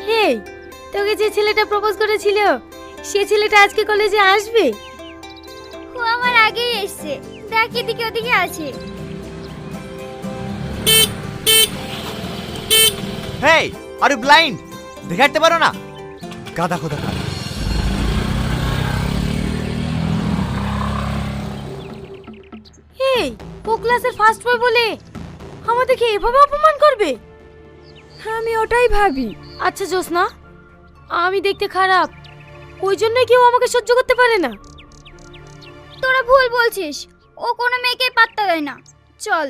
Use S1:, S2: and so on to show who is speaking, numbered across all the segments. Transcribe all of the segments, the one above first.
S1: এই, তোকে যে ছেলেটা প্রপোজ করেছিল সে ছেলেটা আজকে কলেজে আসবে?
S2: ও আমার আগেই এসছে, দেখ এদিকে ওদিকে আছে।
S3: Hey, are you blind? দেখাতে পারো না? গাদা খোদা খা।
S1: এই, ও ক্লাসের ফার্স্ট বয় বলে আমাদেরকে এভাবে অপমান করবে?
S4: আমি ওটাই ভাবি।
S1: আচ্ছা জোসনা, আমি দেখতে খারাপ ওই জন্যই কেউ আমাকে সহ্য করতে পারে না?
S2: তোরা ভুল বলছিস, ও কোনো মেয়েকে পাত্তা দেয় না। চল।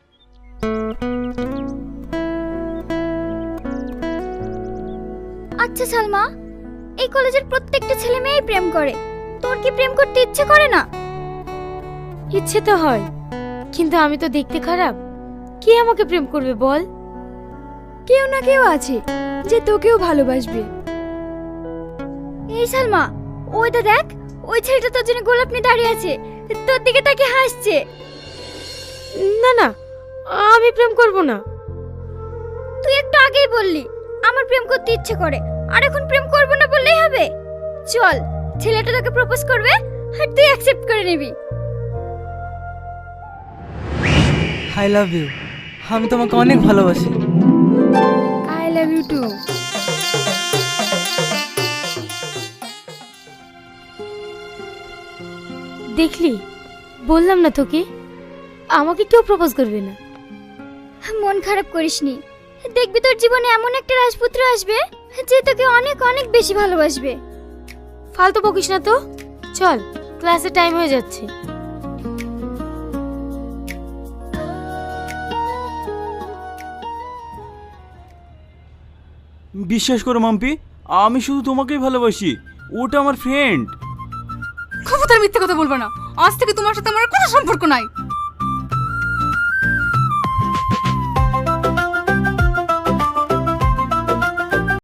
S2: আচ্ছা সালমা, এই কলেজের প্রত্যেকটা ছেলে মেয়েই প্রেম করে, তোর কি প্রেম করতে ইচ্ছে করে না?
S1: ইচ্ছে তো হয়, কিন্তু আমি তো দেখতে খারাপ, কে আমাকে প্রেম করবে বল?
S4: কেউ না কেউ আছে যে তোকেও ভালোবাসবে।
S2: এই সালমা, ওইটা দেখ, ওই ছেলেটা তোর জন্য গোলাপ নিয়ে দাঁড়িয়ে আছে, তোর দিকে তাকিয়ে হাসছে।
S1: না না, আমি প্রেম করব না।
S2: তুই একটু আগেই বললি আমার প্রেম করতে ইচ্ছে করে, আর এখন প্রেম করব না বললেই হবে? চল, ছেলেটা তোকে প্রপোজ করবে আর তুই অ্যাকসেপ্ট করে নিবি।
S5: I love you. আমি তোমাকে অনেক ভালোবাসি।
S4: I love you too.
S1: দেখলি, বললাম না তোকে, আমাকে কেউ প্রপোজ করবে না।
S2: মন খারাপ করিসনি, দেখবি তোর জীবনে এমন একটা রাজপুত্র আসবে যে তোকে অনেক অনেক বেশি ভালোবাসবে।
S1: ফালতু বকিস না তো, চল, ক্লাসে টাইম হয়ে যাচ্ছে।
S6: বিশ্বাস করো মাম্পি, আমি শুধু তোমাকেই ভালোবাসি, ওটা আমার ফ্রেন্ড।
S4: খবরদার মিথ্যে কথা বলবো না, আজ থেকে তোমার সাথে আমার কোনো সম্পর্ক নাই।